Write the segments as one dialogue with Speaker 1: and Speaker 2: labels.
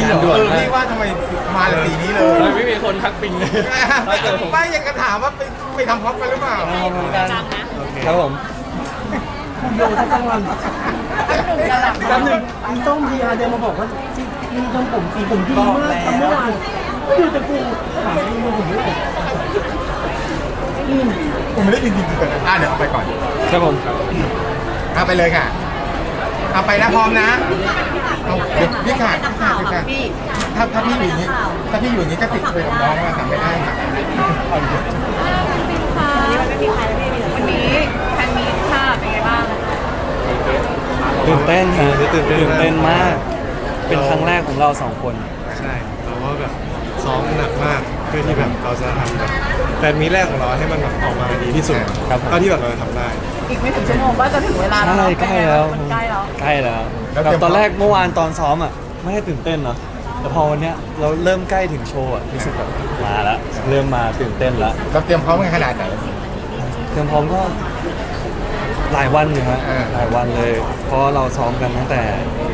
Speaker 1: เหรอ
Speaker 2: พี่ว่าทำไมมาเลยสีนี้เลย
Speaker 1: ไม่มีคนทักปิงเลย
Speaker 2: ไม่ยังกระถามว่าไปทำพร็อพกันหรือเปล่า
Speaker 1: ครับผม
Speaker 3: คุณโยทั้งทั้งวันแป๊บนึงมีส้มพีอาร์เดินมาบอกว่าที่มีทำผมสีผมดีมากทำเมื่อวานก็อยู่แต่กูถามมึงผมไม่ได้
Speaker 2: ผมไม่ได้จริงๆกันเดี๋ยวเอาไปก่อน
Speaker 1: ครับผม
Speaker 2: เอาไปเลยค่ะเอาไปนะพร้อมนะเอาเดี๋ยวพี่ขาดถ้าพี่อยู่อย่างนี้ถ้าพี่อยู่อย่างนี้ก็ติดไปกับน้องว่าทำไม่ได้ค่ะ
Speaker 4: วันนี้มันไม่มีใครไม่มีวันนี้แฟนมีค่ะเป็นไงบ้าง
Speaker 1: ตื่นเต้นฮะตื่นเต้นมาก เป็นครั้งแรกของเราสองคน
Speaker 5: ใช่เราก็แบบซ้อมหนักมากเพื่อที่แบบเราจะทำแบบแฟนมีตแรกของเราให้มันแบบออกมาดีที่สุด
Speaker 1: ครับ
Speaker 5: เท่าที่แบบเราจะทำได้
Speaker 4: อีกไม่ถึงชั่วโมงก็จะถึงเวลา
Speaker 1: ใช่ใกล้แล้ว
Speaker 4: มันใกล้แล้ว
Speaker 1: ใกล้แล้วแบบตอนแรกเมื่อวานตอนซ้อมอ่ะไม่ได้ตื่นเต้นเนาะแต่พอวันเนี้ยเราเริ่มใกล้ถึงโชว์อ่ะรู้สึกแบบมาแล้วเริ่มมาตื่นเต้นแล้ว
Speaker 2: เราเตรียมพร้อมกันขนาดไหน
Speaker 1: เตรียมพร้อมก็หลายวันอยู่ฮะ
Speaker 2: อ่า
Speaker 1: หลายวันเลย เพราะเราซ้อมกันตั้งแต่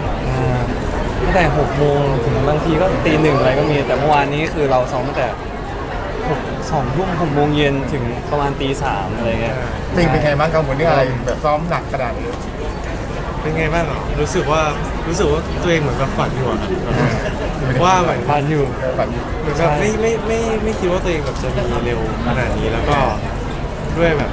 Speaker 1: 6 โมงถึงบางทีก็ตี 1อะไรก็มีแต่เมื่อวานนี้คือเราซ้อมตั้งแต่2 ทุ่ม6 โมงเย็นถึงประมาณตี 3อะไรเงี้ย
Speaker 2: ปิงเป็นไงบ้างกังวลเรื่องอะไรแบบซ้อมหนักขนาดนี้
Speaker 5: เป็นไงบ้างเหรอรู้สึกว่าตัวเองเหมือนกับฝันอยู่อะว่าเหมือน
Speaker 1: พันอยู่
Speaker 2: แบบ
Speaker 5: เหมือนแบบไม่คิดว่าตัวเองแบบจะมีเร็วขนาดนี้แล้วก็ด้วยแบบ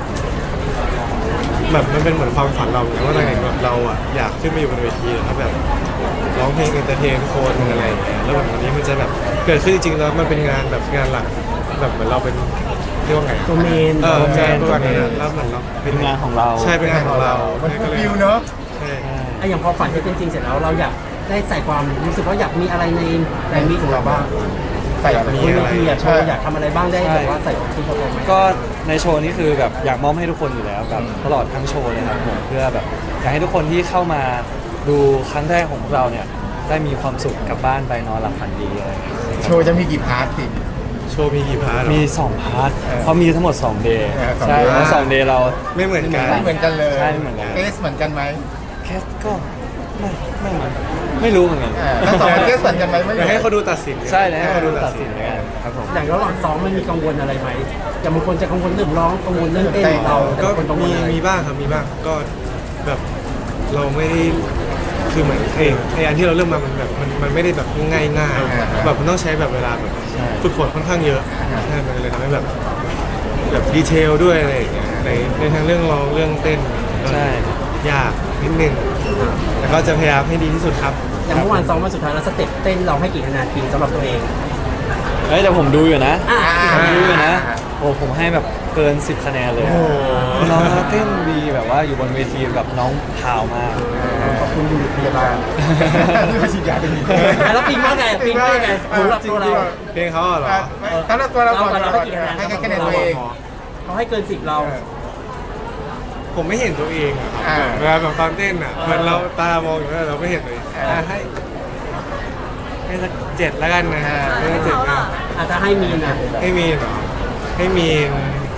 Speaker 5: มันเป็นเหมือนความฝันเราเหมือนกันว่าตอนเด็กแบบเราอะอยากขึ้นมาอยู่บนเวทีแล้วแบบร้องเพลงเอนเตอร์เทนคนอะไรอย่างเงี้ยแล้วแบบวันนี้มันจะแบบเกิดขึ้นจริงๆแล้วมันเป็นงานแบบงานหลักแบบเหมือนเราเป็นเรียกว่าไง
Speaker 3: ตัวเมน
Speaker 5: ใช่ตัวนี้แล้วเหมือนเรา
Speaker 1: เป็นงานของเรา
Speaker 5: ใช่เป็นงานของเรา
Speaker 2: มัน
Speaker 5: ก็เลย
Speaker 2: ฟิลเนอะ
Speaker 5: ใช่
Speaker 3: ไอ้อย่างพอฝันจะเป็นจริงเสร็จแล้วเราอยากได้ใส่ความรู้สึกว่าอยากมีอะไรในแรงมีของเราบ้าง
Speaker 2: ใส่อะไร
Speaker 5: มี
Speaker 3: บน
Speaker 5: อะ
Speaker 3: เว
Speaker 5: ไร
Speaker 3: ทีอะโชว์อยากทำอะไรบ้างได้แบบว่าใส่ของที่เขาบอกไหม
Speaker 1: ก็ในโชว์นี้คือแบบอยากมอบให้ทุกคนอยู่แล้วแบบตลอดทั้งโชว์เลยครับผมเพื่อแบบอยากให้ทุกคนที่เข้ามาดูครั้งแรกของพวกเราเนี่ยได้มีความสุขกลับบ้านไปนอนหลับฝันดีอะไรอย่างเงี้ย
Speaker 2: โชว์จะมีกี่พาร์ทสิ
Speaker 5: โชว์มีกี่พาร์ทเหรอ
Speaker 1: มี2 พาร์ทเพราะมีทั้งหมด2 เดย์
Speaker 2: สอง
Speaker 1: ใช่
Speaker 2: day
Speaker 1: แล้ว2 เดย์เรา
Speaker 5: ไม่เหมือนกัน
Speaker 2: ไม่เหมือนกันเลย
Speaker 1: ใช่ไม่เหมือนกัน
Speaker 2: เทสเหมือนกันไหม
Speaker 1: แคสก็ไม่รู้เหมือนกัน
Speaker 2: แล้วสองเทสเหมือนกันไหมไม่
Speaker 5: เดี๋ยวให้เขาดูตัดสิน
Speaker 1: ใช่แล้วให้เขาดูตัดสินแล้วกันครับผม
Speaker 3: อย่างระหว่างซ้อมมันมีกังวลอะไรไหมอย่างบางคนจะกังวลเรื่องร้องกังวลเรื่องเต้นของเราแต่
Speaker 5: ก็
Speaker 3: บางคนกังวลอะไร
Speaker 5: มีบ้างครับมีบ้างก็แบบเราไม่ได้คือเหมือนไอ้อันที่เราเริ่มมามันแบบมันไม่ได้แบบง่ายแบบมันต้องใช้แบบเวลาแบบฝึกฝนค่อนข้างเยอะใช่มันเลยทำให้แบบดีเทลด้วยอะไรอย่างเงี้ยในทางเรื่องร้องเรื่องเต้นก็
Speaker 1: ใช่
Speaker 5: ยากนิดนึงแต่ก็จะพยายามให้ดีที่สุดครับ
Speaker 3: อย่างเมื่อวานซ้อมวันสุดท้ายแล้วสเต็ปเต้นเราให้กี่คะแนนปีสำหรับตัวเอง
Speaker 1: เฮ้ยแต่ผมดูอยู่นะ
Speaker 3: อ่ะ
Speaker 1: ผมดูอยู่นะโอ้ผมให้แบบเกิน10 คะแนนเลย
Speaker 5: โอ้โห
Speaker 1: น้องเต้นดีแบบว่าอยู่บนเวทีแบบน้องพราวมาก
Speaker 2: ขอบคุณบุรุษพยาบาลที่มาฉีดยาเป็น
Speaker 3: แล้วปิงว่าไงปิงว่าไงสำหรับตัวเรา
Speaker 5: เพลงเขาเหรอ
Speaker 2: สำหรับตัวเราก่อน
Speaker 3: เราให้กี่คะแนน
Speaker 2: ให้คะแนนตัวเอง
Speaker 3: เขาให้เกิน10เรา
Speaker 5: ผมไม่เห็นตัวเองอะครับเวลาแบบตอนเต้นอ่ะเหมันเราตามองอยู่แล้วเราไม่เห็นตัวเองให้สัก7แล้วกันนะให้สัก7นะ
Speaker 3: อาจจะให้มีนะ
Speaker 5: ให้มีนเหรอให้มีน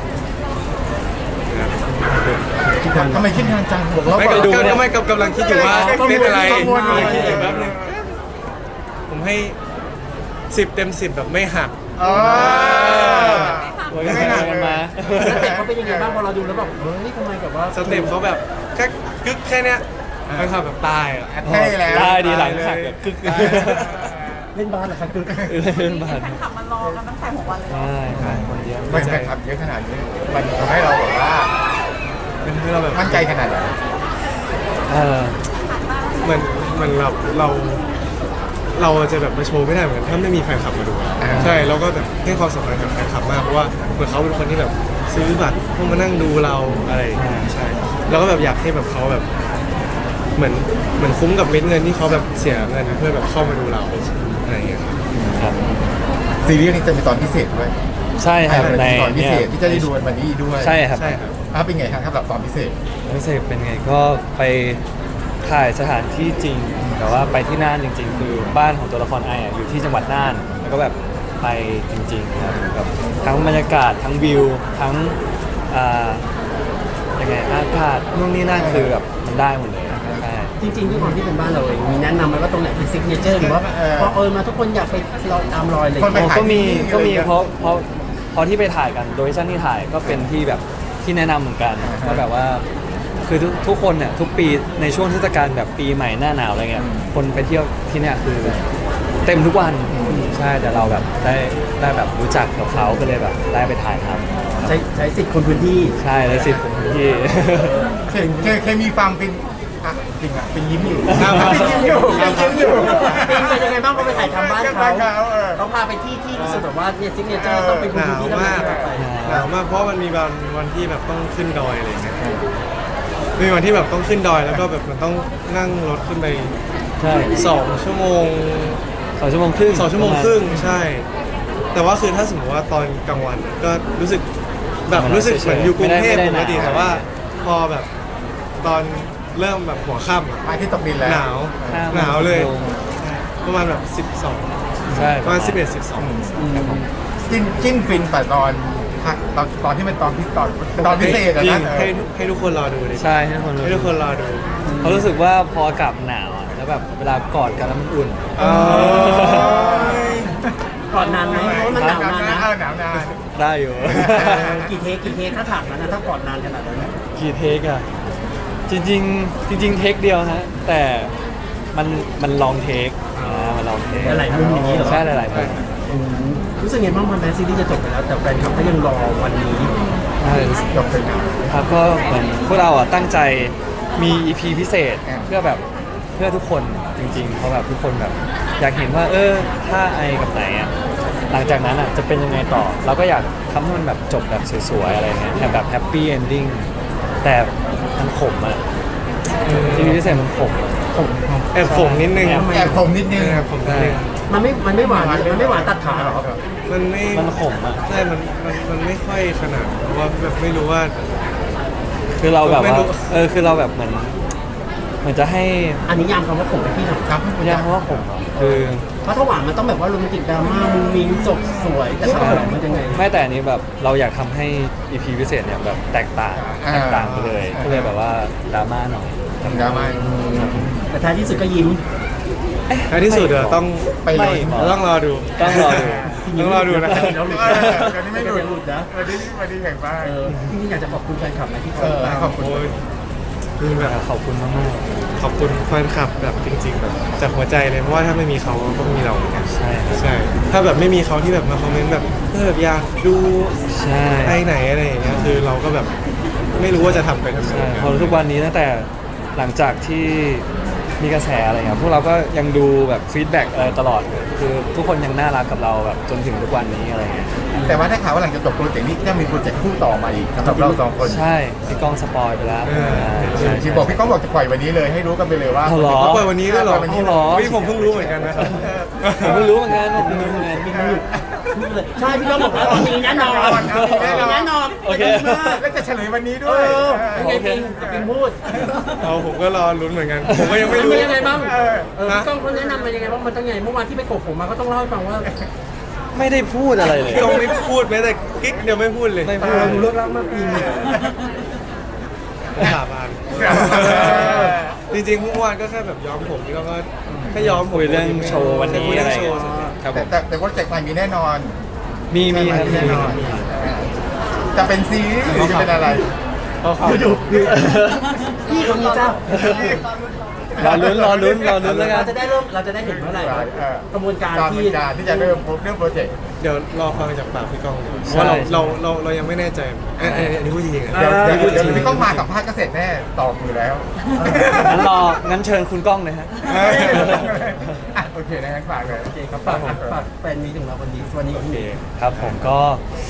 Speaker 2: ทำไมคิดนานจังบอกเรา
Speaker 5: ไม่
Speaker 2: ก่อน
Speaker 5: ก็ไม่กำลังคิดอยู่ว่าเล่นอะไร
Speaker 2: กังวลอยู่
Speaker 5: คิดอยู่แป๊บนึงผมให้10 เต็ม 10แบบไม่หัก
Speaker 2: อ๋อ
Speaker 1: โอ้ยกันมากันมา
Speaker 3: สเต็ปเขาเป็นยังไงบ้างพอเราดูแล้วแบบเฮ้ยทำไมแบบว่า
Speaker 5: สเต็ปเขาแบบแค่กึกแค่เนี้ยมันทำแบบตายอ่ะ
Speaker 2: เท่แล้ว
Speaker 1: ได้ดีหลังหักแบบกึก
Speaker 3: เล่นบาสเหรอครับคือ
Speaker 1: เล่นบาส
Speaker 4: แฟนคลับมารอกันตั้งแต่6 วันเลย
Speaker 1: ใช่ครับคนเยอะ
Speaker 2: ไม่แฟนคลับเยอะขนาดนี้มันทำให้เราแบบว่า
Speaker 5: เป็นให้เราแบบ
Speaker 2: มั่นใจขนาดไหน
Speaker 1: เออ
Speaker 5: เหมือนเราจะแบบมาโชว์ไม่ได้เหมือนกันถ้าไม่มีแฟนคลับมาดูอะใช่เราก็แบบให้ความสำคัญกับแฟนคลับมากเพราะว่าเหมือนเขาเป็นคนที่แบบซื้อบัตรเพื่อมานั่งดูเราอะไรอย่างเงี้ยใช่เราก็แบบอยากให้แบบเขาแบบเหมือนคุ้มกับเม็ดเงินที่เขาแบบเสียเงินเพื่อแบบเข้ามาดูเราอะไรอย่างเงี้ยครับ
Speaker 1: ครับ
Speaker 2: ซีรีส์นี้จะมีตอนพิเศษด้วย
Speaker 1: ใช่ครับใน
Speaker 2: ตอนพิ
Speaker 1: เนี่
Speaker 2: เศ
Speaker 1: ย
Speaker 2: ษที่จะได้ดูวันนี้ด้วย
Speaker 1: ใช่ครับ
Speaker 5: ใช่ครับ
Speaker 2: เป็นไงครับสำหรับตอนพิเศษ
Speaker 1: พิเศษเป็นไงก็ไปถ่ายสถานที่จริงแต่ว่าไปที่น่านจริง ๆ คือบ้านของตัวละครไออะอยู่ที่จังหวัดน่านแล้วก็แบบไปจริงๆครับแบบทั้งบรรยากาศทั้งวิวทั้งยังไงอากาศนู่นนี่นั่นคือแบบมันได้หมดเลยใช่
Speaker 3: จริงๆด้วยความที่เป็นบ้านเราเองมีแนะนำไหมว่าตรงไหนเป็นซิกเนเจอร์หรือว่าพอมาทุกคนอยากไปรอยตามรอยเลย
Speaker 2: คนไป
Speaker 1: ก็มี
Speaker 2: ถ่ายที่
Speaker 1: เพราะที่ไปถ่ายกันโดยชั่นที่ถ่ายก็เป็นที่แบบที่แนะนำเหมือนกันก็แบบว่าคือทุกคนเนี่ยทุกปีในช่วงเทศกาลแบบปีใหม่หน้าหนาวอะไรเงี้ยคนไปเที่ยวที่เนี่ยคือเต็มทุกวันใช่แต่เราแบบได้แบบรู้จักกับเขาก็เลยแบบได้ไปถ่ายทำ
Speaker 3: ใช้สิทธิ์คนพื้นที่
Speaker 1: ใช่เลยสิผมที่
Speaker 2: เคยมีความเป็นอ่ะจริงอ่ะเป็นยิ้มอยู่
Speaker 3: เป็นยิ้มอยู่
Speaker 2: เป็นยิ้มอยู่
Speaker 3: เป็นยังไงบ้างเขาไปถ่ายทำบ้านเขา
Speaker 2: เออ
Speaker 3: เขาพาไปที่รู้สึกแบบว่าเนี่ยซิกเนเจอร์ต้องเป็นคน
Speaker 5: หนาว
Speaker 3: พื้นที่ต้อง
Speaker 5: มาก
Speaker 3: ไป
Speaker 5: หนาวมากเพราะมันมีวันที่แบบต้องขึ้นดอยอะไรอย่างเงี้ยมีวันที่แบบต้องขึ้นดอยแล้วก็แบบมันต้องนั่งรถขึ้นไป
Speaker 1: ใช่
Speaker 5: 2 ชั่วโมง
Speaker 1: 2 ชั่วโมงครึ่ง
Speaker 5: 2 ชั่วโมงครึ่งใช่ แต่ว่าคือถ้าสมมติว่าตอนกลางวันก็รู้สึกแบบรู้สึกเหมือนอยู่กรุงเทพปกติแต่ว่าพอแบบตอนเริ่มแบบหัวค่ำอะ
Speaker 2: ไปที่ตกดินแล้ว
Speaker 5: หนาวเลยประมาณแบบ12
Speaker 1: ใช่
Speaker 5: ประมาณ11 12
Speaker 2: จิ้นฟินแต่ตอนที่เป็นตอนพิเศษอะ
Speaker 5: จริ
Speaker 2: นะ
Speaker 5: งให้ทุกคนรอดูเลย
Speaker 1: ใช่ให้คนรู้
Speaker 5: ให้ทุกคนรอดู
Speaker 1: เขารู้สึกว่าพออากาศหนาวอะแล้วแบบเวลากอดกันแล้วมันอุ่น
Speaker 3: ก่อนนานไหมเพราะว่ามันหนาวนานนะ
Speaker 2: หนาวนาน
Speaker 1: ได้อยู่
Speaker 3: กี่เทคถ้าถามนั้นนะถ้าก่อนนานขนาดนั้นนะ
Speaker 1: กี่เทคอะจริงเทคเดียวฮะแต่มันลองเทคมันลองเทค
Speaker 3: หลายๆมุมอย่างนี้เหรอ
Speaker 1: ใช่หลายๆมุม
Speaker 3: รู้สึกไงบ้างมันแมนซีรีส์จะจบไปแล้วแต่แฟนคลับก็ยังรอวันนี้
Speaker 1: ใช่
Speaker 2: จบไปแล้ว
Speaker 1: ครับก็เหมือนพวกเราอ่ะตั้งใจมี EP พิเศษ
Speaker 2: อ่า
Speaker 1: เพื่อแบบเพื่อทุกคนจริงๆเพราะแบบทุกคนแบบอยากเห็นว่าถ้าไอกับไหนอ่ะหลังจากนั้นอ่ะจะเป็นยังไงต่อ เราก็อยากทำให้มันแบบจบแบบสวยๆอะไรเงี้ยแบบแฮปปี้เอนดิ้งแต่มันขมอ่ะ EP พิเศษมันขมอะ
Speaker 5: แอบขมนิดนึง
Speaker 2: แอบผมนิดนึง
Speaker 5: แอบขมนิดนึง
Speaker 3: มันไม่หวานตัดขาเหรอ
Speaker 5: มันไม่
Speaker 1: มันขมอ่ะ
Speaker 5: ใช่มันไม่ค่อยขนาดเพราะว่าแบบไม่รู้ว่า
Speaker 1: คือเราแบบ
Speaker 5: ไม่
Speaker 1: ว่า
Speaker 5: รู้
Speaker 1: คือเราแบบเหมือนจะให้
Speaker 3: อันนี้ยามคำว่าผมไปที่ไหน
Speaker 2: ครับ
Speaker 1: ยากเพราะว่าขมอะคือ
Speaker 3: เพราะถ้าหวานมันต้องแบบว่าโรแมนติกดราม่ามุ้งมิ้งจบสวยแต่ถ้าผมมันยังไง
Speaker 1: ไม่แต่อันนี้แบบเราอยากทำให้ EP พิเศษเนี่ยแบบแตกต่างไปเลยก็เลยแบบว่าดราม่าหน่อย
Speaker 2: ทำดราม่า
Speaker 3: แต่ท้ายที่สุดก็ยิ้ม
Speaker 5: ในที่สุดเดี๋ยวต้อง
Speaker 2: ไปเลย
Speaker 5: ต้องรอดู
Speaker 1: ต้องรอดู
Speaker 5: ต้องรอดูนะครับ
Speaker 3: แล้วหลุด
Speaker 2: วันนี้ไม่หลุด
Speaker 3: นะ
Speaker 2: วันนี้แข่งบ้าน
Speaker 3: จริงๆอยากจะขอบคุณแฟนคลับนะที่ค
Speaker 2: เอ
Speaker 3: อย
Speaker 2: อ
Speaker 3: ตาม
Speaker 2: ขอบคุณ
Speaker 5: โอ้ยคือแบบ
Speaker 1: ขอบคุณมาก
Speaker 5: ขอบคุณแฟนคลับแบบจริง ๆ แบบจากหัวใจเลยเพราะว่าถ้าไม่มีเขาก็ไม่มีเราเหมือนกัน
Speaker 1: ๆใช่ครับ
Speaker 5: ใช่ ถ้าแบบไม่มีเขาที่แบบมาคอมเมนต์แบบแบบอยากดู
Speaker 1: ใช่
Speaker 5: ไปไหนอะไรอย่างเงี้ยคือเราก็แบบไม่รู้ว่าจะทำไปทำไม
Speaker 1: ใช่พอทุกวันนี้ตั้งแต่หลังจากที่มีกระแสอะไรเงี้ยพวกเราก็ยังดูแบบฟีดแบ็กอะไรตลอดคือทุกคนยังน่ารักกับเราแบบจนถึงทุกวันนี้อะไรเงี้ย
Speaker 2: แต่ว่าได้ข่าวว่าหลังจากจบโปรเจกต์นี้จะมีโปรเจกต์คู่ต่อมาอีกสำหรับเราสองคน
Speaker 1: ใช่พี่ก้องสปอยไปแล้วใช่
Speaker 2: ที่บอกพี่ก้องบอกจะปล่อยวันนี้เลยให้รู้กันไปเลยว่า
Speaker 1: เอาเหรอ
Speaker 5: เขาเปิดวันนี้ด้วยเหรอ
Speaker 2: เปิดวันนี้
Speaker 1: เหรอ
Speaker 5: พี่ผมเพิ่งรู้เหมือนกันนะครับ
Speaker 1: ผมไม่รู้เหมือนกันผมไม่รู้เหมือนกัน
Speaker 3: ใช่พี่ก็บอกว่ามีแน่นอนมีแน่นอน
Speaker 1: โอเค
Speaker 2: แล้วจะเฉลยวันนี้
Speaker 3: เอ
Speaker 2: ด้วย
Speaker 3: อยังไงปิงปิงพูด
Speaker 5: เอาผมก็รอลุ้นเหมือนกัน ผมก็ยังไม่รู้
Speaker 3: มันยังไงบ้าง
Speaker 2: เออ
Speaker 3: พี่ก้องเขาแนะนำมายังไงบ้างมันต้องไงเมื่อวานที่ไปกบผมมาก็ต้องเล่าให้ฟังว่า
Speaker 1: ไม่ได้พูดอะไรเลย
Speaker 5: พี่ก้องไม่พูดแม้แต่กิ๊กเดียวไม่พูดเลย
Speaker 1: ไม่พูด
Speaker 3: เราดูเลิกลักมากปิง
Speaker 5: สาบานจริงๆเมื่อวานก็แค่แบบย้อมผมพี่ก้องก็แค่ย้อมผม
Speaker 1: คุยเรื่องโชว์วันนี้
Speaker 5: คุย
Speaker 1: อะ
Speaker 5: เรื่
Speaker 1: ไร
Speaker 5: องโช
Speaker 1: เงี้
Speaker 5: ว์
Speaker 1: ยครับผม
Speaker 2: แต่โปรเจกต์ใหม่มีแน่นอน
Speaker 1: มีครับ
Speaker 2: แน่นอน
Speaker 1: มี
Speaker 2: จะเป็นซีรีส์หรือจะเป็นอะไร
Speaker 3: อยู่พี่คนนี้เจ้าร
Speaker 1: อลุ้นแล้วกั
Speaker 3: เรา
Speaker 1: น
Speaker 3: จะได้เห็นเมื่อไหร่กระบวนการ
Speaker 2: การ
Speaker 3: ที่
Speaker 2: ที่จะเริ่มโปรเจกต์
Speaker 5: เดี๋ยวรอฟังจากปากพี่ก้องดีกว่าเพราะว่าเรายังไม่แน่ใจอันนี้พูดจริงๆอะ
Speaker 2: เดี๋ยว
Speaker 5: พูดจริง
Speaker 2: พี่ก้องมาสัมภาษณ์ก็เสร็จแน่ตอบอยู่แล้ว
Speaker 1: งั้นเชิญคุณก้องเลยฮะ
Speaker 2: โอเคนะงั้นฝากเลย
Speaker 3: โอเคครับฝากแฟนมีถึงเราวันนี้วันนี้
Speaker 1: โอเคครับผมก็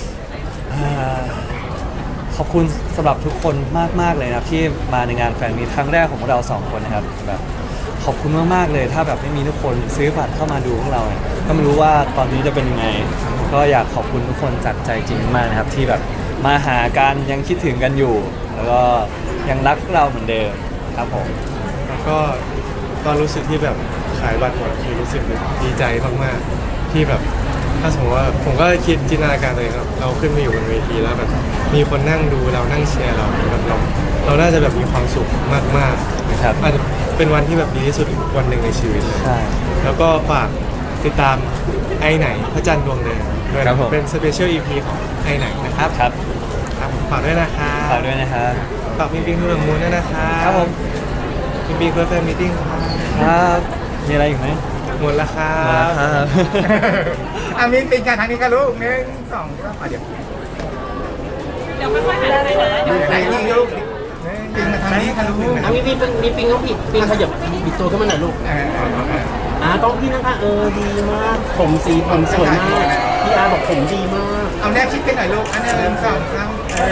Speaker 1: ขอบคุณสำหรับทุกคนมากๆเลยนะครับที่มาในงานแฟนมีตครั้งแรกของพวกเราสองคนนะครับแบบขอบคุณมากๆเลยถ้าแบบไม่มีทุกคนซื้อบัตรเข้ามาดูพวกเราเนี่ยก็ไม่รู้ว่าตอนนี้จะเป็นยังไงก็อยากขอบคุณทุกคนจากใจจริงมากนะครับที่แบบมาหากันยังคิดถึงกันอยู่ แล้วก็ยังรักพวกเราเหมือนเดิมครับผม
Speaker 5: แล้วก็ตอนรู้สึกที่แบบขายบัตรหมดคือรู้สึกแบบดีใจมากๆที่แบบถ้าสมมติว่าผมก็คิดจินตนาการตัวเองครับเราขึ้นมาอยู่บนเวทีแล้วแบบมีคนนั่งดูเรานั่งเชียร์เราแบบเราน่าจะแบบมีความสุขมากๆ
Speaker 1: ครับ
Speaker 5: อาจจะเป็นวันที่แบบดีที่สุดวันหนึ่งในชีวิตเลย
Speaker 1: ใช่
Speaker 5: แล้วก็ฝากติดตามไอไหนพระจันทร์ดวงเดิมด้วย
Speaker 1: ครั
Speaker 5: นะ
Speaker 1: บผม
Speaker 5: เป็นสเปเชียลอีพีของไอไหนนะครับ
Speaker 1: ครับ
Speaker 5: ครับฝากด้วยนะครับ
Speaker 1: ฝากด้วยนะครับ
Speaker 5: ฝากปิงปิงทุกมูลด้วยนะครับ
Speaker 1: ครับผม
Speaker 5: ปิงปิงเพื่อแฟนมิทติ้งครับ
Speaker 1: ครับมีอะไรอีกไหม
Speaker 5: หมดแล้วครั
Speaker 1: มา
Speaker 5: บ
Speaker 1: ครับ
Speaker 2: มีปิงกันทางนี้กันลูก1 2 3เดี๋ยว
Speaker 4: เดี๋ยวค่อยๆหันไปนะ
Speaker 2: ไหนยิงลูกปิงมาทางนี้ค่ะลูก
Speaker 3: อ่ะมีปิงเขาผิดปิงขยับบิดตัวขึ้นมาหน่อยลูกต้องพี่นะคะดีมาก ผมสีผมสวยมากพี่อาร์บอกผมดีมาก
Speaker 2: เอาแนบชิดกันหน่อยลูกอันนี้1 2 3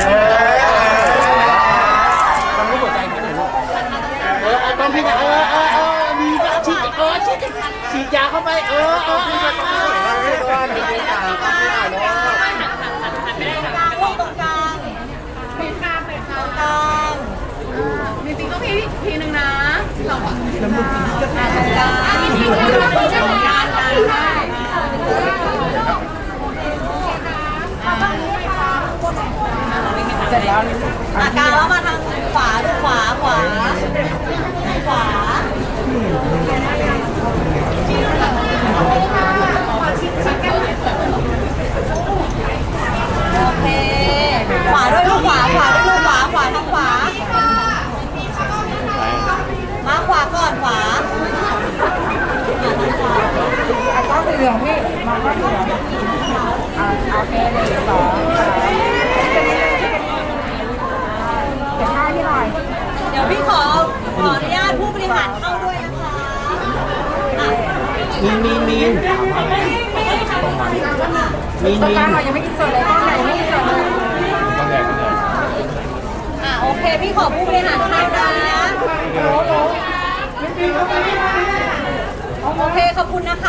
Speaker 3: ทำให้หัวใจพี่หน่อยลูกต้องพี่นะมีฉีดฉีดยาเข้าไปพี่จะต้องสวยมากเลยว่าหนูไม่ตามก็ไม่ได้เนาะ
Speaker 4: ตรงกลางมีข้ามเลยค่ะตรงกลางมีปิงต้องทีนึงนะเราอ่ะตรงกลางมีทีนึงนะตรงกลางเสร็จแล้วกลางแล้วมาทางขวาดูขวาขวาโอเคขวาด้วยลูกขวาด้วยลูกขวาทางขวามาขวาก่อนขวาก็สีเหลืองพี่มองก็สีเหลืองโอเค1 2 เดี๋ยวพี่ขออนุญาตผู้บริหารเข้าด้วยนะคะ
Speaker 3: มี
Speaker 4: ตรงกลางเรายังไม่กินสดเลยกล้องไหนไม่กินสดเลยโอเคพี่ขอผู้บริหารเข้านะโอเคขอบคุณนะคะ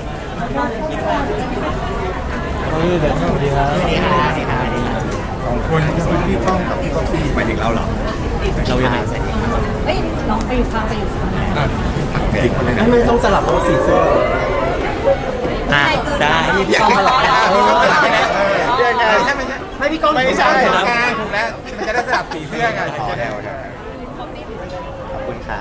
Speaker 1: สวัสดีครับ
Speaker 2: ของคนพี่ป้องกับพี่ก๊อฟฟี่หมายถึงเราเหรอ
Speaker 1: เรายังไง
Speaker 4: เฮ้ยน้องไปอยู่ข้าง
Speaker 2: อีกคนเลยนะ
Speaker 3: ให้มันต้องสลับตัวสีเสื้อ
Speaker 1: ได้
Speaker 2: อยากให้เราเรื่องไงใช่ไหม
Speaker 3: ให้พี่ก้อง
Speaker 2: ไม่ใช่ถูกแล้วมันจะได้สลับสีเสื้อกันจะได้
Speaker 1: ขอบคุณครับ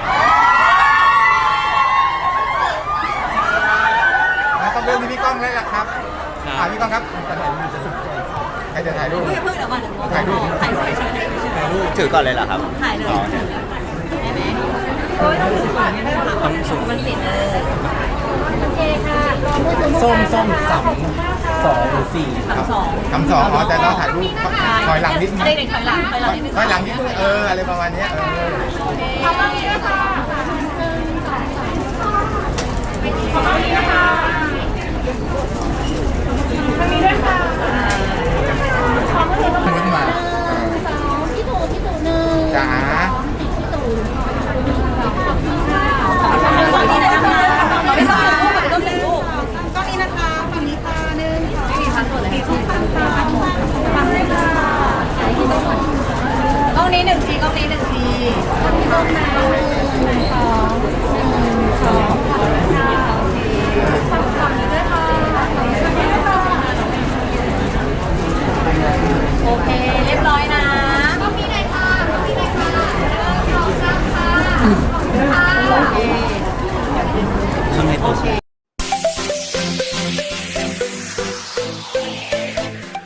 Speaker 2: ต้องเริ่มที่พี่ก้องแล้วล่ะครับพี่ก้องครับใครจะถ่ายรูป
Speaker 4: เพิ่งเดี๋ยวมา
Speaker 2: ถ่ายรูป
Speaker 1: ถือก่อนเลยเหรอครับ
Speaker 4: ถ่ายเลยได้ไหมโอ้ยต้องถือก่อนไม่ต้องมันติดเลยโอเคค่ะ
Speaker 3: ส้ม2 หรือ 4
Speaker 2: คำสองแต่เราถ่ายรูปถอยหลังนิดนึง
Speaker 4: เด็กๆถอยหลังนิดนึง
Speaker 2: ถอยหลังนิดนึงอะไรประมาณนี้
Speaker 4: ขอบคุณนะคะขอบคุณนะคะทางนี้ด้วยค่ะ
Speaker 2: มุ้นมา
Speaker 4: พี่ตู่1
Speaker 2: จ๋า
Speaker 4: ฝั่งนี้นะคะไม่ต้องลูกต้องเป็นลูกฝั่งนี้นะคะฝั่งนี้ค่ะ1 2ไม่มีพันตัวเลยมี2ฝั่งนี้ค่ะกล้องนี้1 ทีกล้องนี้1 ทีพี่ต้นนะ1 2 โอเค